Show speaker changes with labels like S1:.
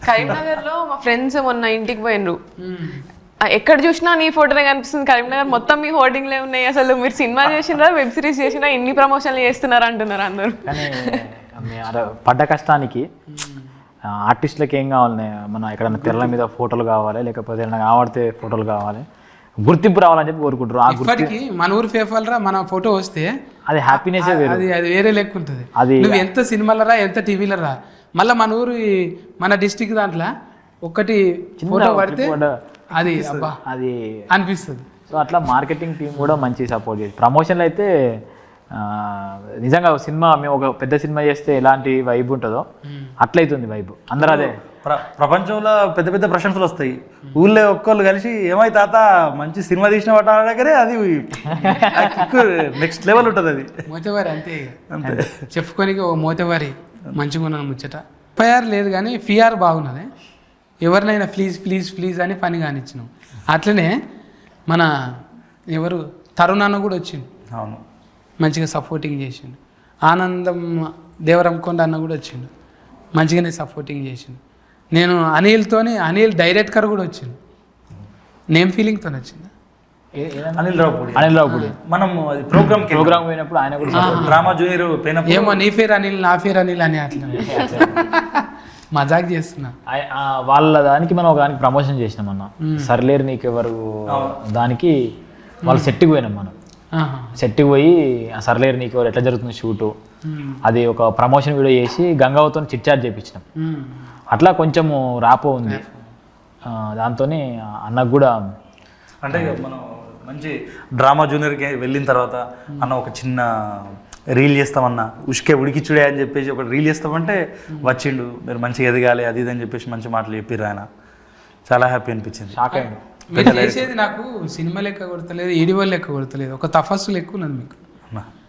S1: కరీంనగర్ లో మా ఫ్రెండ్స్ మొన్న ఇంటికి పోయినరు, ఎక్కడ చూసినా నీ ఫోటోనే కనిపిస్తుంది, కరీంనగర్ మొత్తం మీ హోర్డింగ్లే ఉన్నాయి, అసలు మీరు సినిమా చేసినా వెబ్ సిరీస్ చేసినా ఇన్ని ప్రమోషన్లు చేస్తున్నారు అంటున్నారు అందరు.
S2: కానీ పడ్డ కష్టానికి ఆర్టిస్టులకి ఏం కావాలి, మన ఎక్కడన్నా తెరల మీద ఫోటోలు కావాలి, లేకపోతే ఏదైనా ఆడితే ఫోటోలు కావాలి, గుర్తింపు రావాలని చెప్పి కోరుకుంటారు.
S3: ఇప్పటికి మన ఊరు ఫేఫల్రా మన ఫోటో వస్తే
S2: అది హ్యాపీనెస్
S3: అది వేరే లెక్క ఉంటుంది. నువ్వు ఎంత సినిమాలరా ఎంత టీవీలరా, మళ్ళీ మన ఊరు మన డిస్టిక్ దాంట్లో ఒకటి ఫోటో పడితే అది అబ్బా
S2: అది
S3: అనిపిస్తుంది.
S2: సో అట్లా మార్కెటింగ్ టీం కూడా మంచి సపోర్ట్ చేసి ప్రమోషన్లు అయితే నిజంగా సినిమా మేము ఒక పెద్ద సినిమా చేస్తే ఎలాంటి వైబ్ ఉంటుందో అట్లయితుంది వైబ్. అందరూ అదే
S4: ప్రపంచంలో పెద్ద పెద్ద ప్రశంసలు వస్తాయి, ఊళ్ళో ఒక్కళ్ళు కలిసి ఏమై తాత మంచి సినిమా తీసిన వాటి దగ్గరే అది నెక్స్ట్ లెవెల్ ఉంటుంది. అది
S3: మోతేవారి అంతే చెప్పుకోనికి ఒక మోతేవారి మంచిగా ఉన్నాను ముచ్చట. ఎఫ్ఐఆర్ లేదు కానీ ఫిఆర్ బాగున్నది, ఎవరినైనా ప్లీజ్ ప్లీజ్ ప్లీజ్ అని పని కానిచ్చినాం. అట్లనే మన ఎవరు తరుణ్ అన్న కూడా వచ్చిండు,
S4: అవును
S3: మంచిగా సపోర్టింగ్ చేసిండు. ఆనందం దేవరంకొండ అన్న కూడా వచ్చిండు, మంచిగానే సపోర్టింగ్ చేసిండు. నేను అనిల్ డైరెక్టర్ కూడా వచ్చిండు, నేమ్ ఫీలింగ్తో వచ్చింది.
S4: అనిల్
S2: రావుపూడి
S4: మనం ప్రోగ్రామ్
S2: పోయినప్పుడు ఆయన కూడా
S4: డ్రామా జూనియర్
S3: ఏమో నీ పేరు అనిల్ నా పేరు అనిల్ అని అట్లా మజాక్ చేస్తున్నా.
S2: వాళ్ళ దానికి మనం ఒక దానికి ప్రమోషన్ చేసినాం అన్న, సర్లేరు నీకెవరు దానికి వాళ్ళు సెట్కి పోయినాం. మనం సెట్కి పోయి సర్లేరు నీకెవరు ఎట్లా జరుగుతుంది షూటు, అది ఒక ప్రమోషన్ వీడియో చేసి గంగావతో చిట్ చాట్ చేయించినాం. అట్లా కొంచెము రాపో ఉంది దాంతోనే అన్నకు కూడా.
S4: అంటే మనం మంచి డ్రామా జూనియర్కి వెళ్ళిన తర్వాత అన్న ఒక చిన్న రీల్ చేస్తామన్నా ఉడికిచ్చుడే అని చెప్పేసి ఒక రీల్ చేస్తామంటే వచ్చిండు, మీరు మంచిగా ఎదగాలి అది ఇది అని చెప్పేసి మంచి మాటలు చెప్పిర్రు ఆయన. చాలా హ్యాపీ అనిపించింది.
S2: షాక్ అయ్యిండు.
S3: మీరు చేసేది నాకు సినిమా లెక్క కొడతలేదు, ఈడివల్ లెక్క కొడతలేదు, ఒక తపస్సు లెక్క ఉన్నది మీకు.